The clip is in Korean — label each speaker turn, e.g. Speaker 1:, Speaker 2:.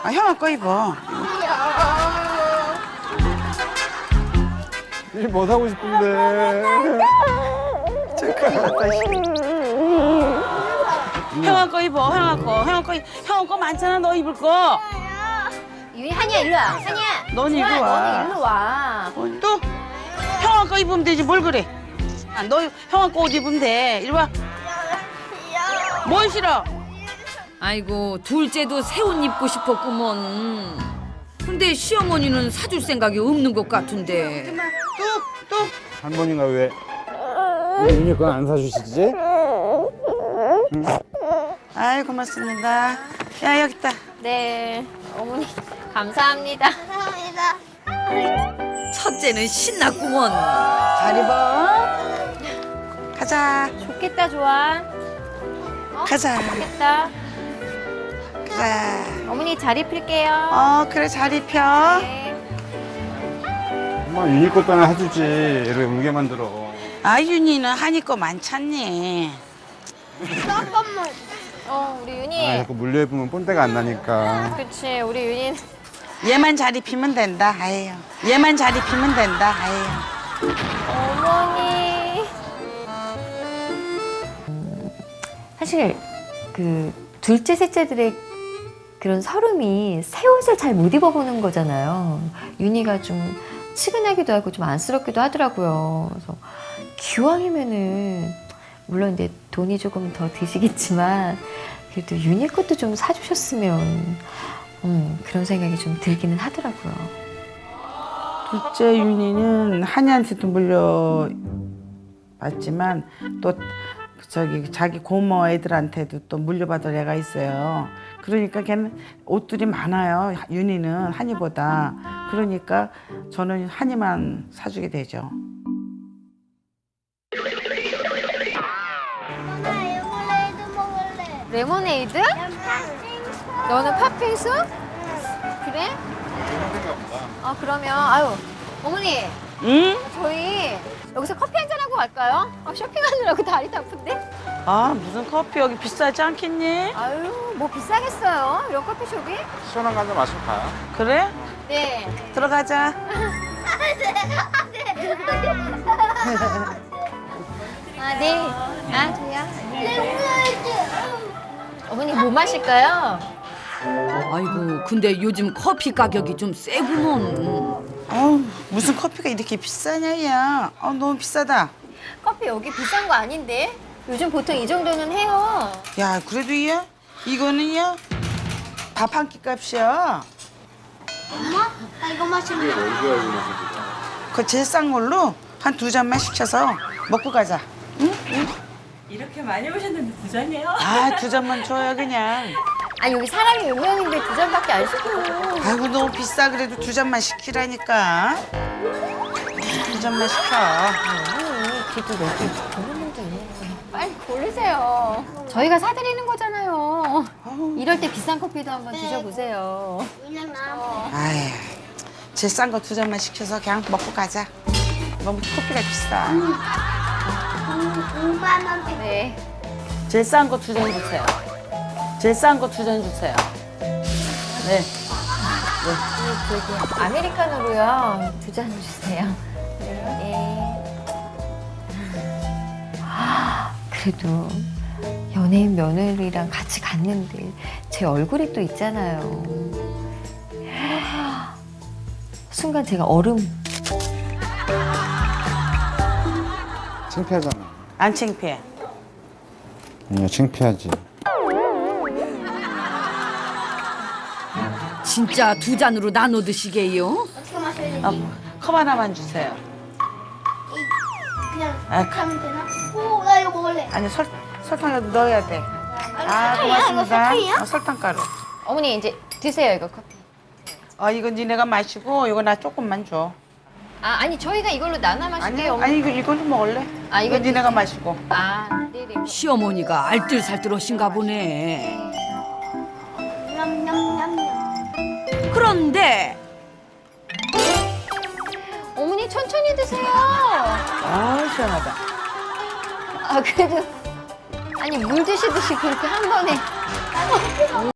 Speaker 1: 아, 형아 거 입어.
Speaker 2: 이 뭐 사고 싶은데.
Speaker 1: 저 큰일 났다. 형아 거 입어, 형아 거. 형아 거 많잖아, 너 입을 거.
Speaker 3: 유이 한이야 일로 와. 한이야.
Speaker 1: 넌 이리
Speaker 3: 좋아,
Speaker 1: 와.
Speaker 3: 너는 일로 와.
Speaker 1: 또 형아 거 입으면 되지, 뭘 그래. 아, 너 형아 거 옷 입으면 돼. 이리 와. 뭘 싫어?
Speaker 4: 아이고 둘째도 새 옷 입고 싶었구먼. 근데 시어머니는 사줄 생각이 없는 것 같은데.
Speaker 1: 또.
Speaker 2: 할머니가 왜 윤희 건 안 사주시지?
Speaker 1: 아이, 고맙습니다. 야, 여기 있다.
Speaker 3: 네. 어머니 감사합니다.
Speaker 4: 첫째는 신났구먼.
Speaker 1: 잘 입어. 가자.
Speaker 3: 좋겠다 좋아.
Speaker 1: 가자.
Speaker 3: 좋겠다.
Speaker 1: 가자.
Speaker 3: 어머니 잘 입힐게요.
Speaker 1: 그래, 잘 입혀.
Speaker 3: 네.
Speaker 2: 엄마 윤희 것도 하나 해주지. 이렇게 울게 만들어.
Speaker 1: 아, 윤희는 한이 거 많잖니.
Speaker 3: 우리
Speaker 2: 아,
Speaker 3: 윤희.
Speaker 2: 자꾸 물려 입으면 본때가 안 나니까.
Speaker 3: 그치 우리 윤희.
Speaker 1: 얘만 잘 입히면 된다, 아예요. 얘만 잘 입히면 된다, 아예요.
Speaker 3: 어머니.
Speaker 5: 사실 그 둘째 셋째들의 그런 서름이 새 옷을 잘 못 입어보는 거잖아요. 윤희가 좀 치근하기도 하고 좀 안쓰럽기도 하더라고요. 그래서 기왕이면은 물론 이제 돈이 조금 더 드시겠지만 그래도 윤희 것도 좀 사주셨으면 그런 생각이 좀 들기는 하더라고요.
Speaker 1: 둘째 윤희는 한이한테도 물려받지만 또 저기 자기 고모 애들한테도 또 물려받을 애가 있어요. 그러니까 걔는 옷들이 많아요. 윤희는 한이보다. 그러니까 저는 한이만 사주게 되죠.
Speaker 3: 레모네이드? 너는 팥빙수? 그래? 아 그러면 아유 어머니
Speaker 1: 응?
Speaker 3: 저희 여기서 커피 한잔 하고 갈까요? 쇼핑하느라고 다리도 아픈데?
Speaker 1: 아, 무슨 커피 여기 비싸지 않겠니?
Speaker 3: 아유 뭐 비싸겠어요 이런 커피숍이?
Speaker 2: 시원한 거 한 잔 마시고 가요.
Speaker 1: 그래?
Speaker 3: 네.
Speaker 1: 들어가자.
Speaker 3: 아 네. 아 저야. 어머니 뭐 마실까요?
Speaker 4: 아이고 근데 요즘 커피 가격이 좀 세구먼.
Speaker 1: 무슨 커피가 이렇게 비싸냐, 야. 너무 비싸다.
Speaker 3: 커피 여기 비싼 거 아닌데? 요즘 보통 이 정도는 해요.
Speaker 1: 야, 그래도 이거는요, 밥 한 끼 값이야.
Speaker 6: 나 이거 마시면
Speaker 1: 그 제일 싼 걸로 한 2잔만 시켜서 먹고 가자.
Speaker 7: 이렇게 많이 오셨는데 두 잔이에요?
Speaker 1: 아, 2잔만 줘요, 그냥.
Speaker 3: 아 여기 사람이 몇 명인데 두 잔밖에 안 시켜.
Speaker 1: 아이고, 너무 비싸. 그래도 2잔만 시키라니까. 2잔만 시켜.
Speaker 3: 그래도 여기 좋은 분도 있는 거예요. 빨리 고르세요. 저희가 사드리는 거잖아요. 이럴 때 비싼 커피도 한번 드셔보세요.
Speaker 6: 그냥 나
Speaker 1: 아이, 제일 싼 거 2잔만 시켜서 그냥 먹고 가자. 너무 커피가 비싸.
Speaker 6: 5만 원.
Speaker 3: 네.
Speaker 1: 제일 싼 거 2잔 주세요. 제일 싼 거 2잔 주세요. 네.
Speaker 3: 저기 아메리카노로요. 2잔 주세요. 네.
Speaker 5: 그래도 연예인 며느리랑 같이 갔는데 제 얼굴이 또 있잖아요. 순간 제가 얼음.
Speaker 2: 창피하잖아.
Speaker 1: 안 창피해.
Speaker 2: 아니야, 창피하지.
Speaker 4: 진짜 두 잔으로 나눠 드시게요?
Speaker 6: 어떻게 마셔야 되지?
Speaker 1: 컵 하나만 주세요.
Speaker 6: 그냥
Speaker 1: 아,
Speaker 6: 하면 되나? 오, 나 이거 먹을래.
Speaker 1: 아니, 설탕이라도 넣어야 돼. 아,
Speaker 6: 설탕이야? 이거
Speaker 1: 고맙습니다.
Speaker 6: 설탕이야?
Speaker 1: 설탕가루.
Speaker 3: 어머니 이제 드세요 이거 커피.
Speaker 1: 이거 니네가 마시고 이거 나 조금만 줘.
Speaker 3: 아 아니 저희가 이걸로 나눠
Speaker 1: 아니,
Speaker 3: 마실게요. 어머니.
Speaker 1: 아니 이걸로 먹을래?
Speaker 3: 아,
Speaker 1: 이거
Speaker 3: 이거
Speaker 1: 니네가
Speaker 3: 드세요.
Speaker 1: 마시고.
Speaker 3: 아 네네.
Speaker 4: 시어머니가 알뜰살뜰하신가 보네.
Speaker 6: 냠냠냠냠.
Speaker 4: 그런데
Speaker 3: 어머니 천천히 드세요.
Speaker 1: 아, 시원하다.
Speaker 3: 아 그래도 아니 물 드시듯이 그렇게 한 번에.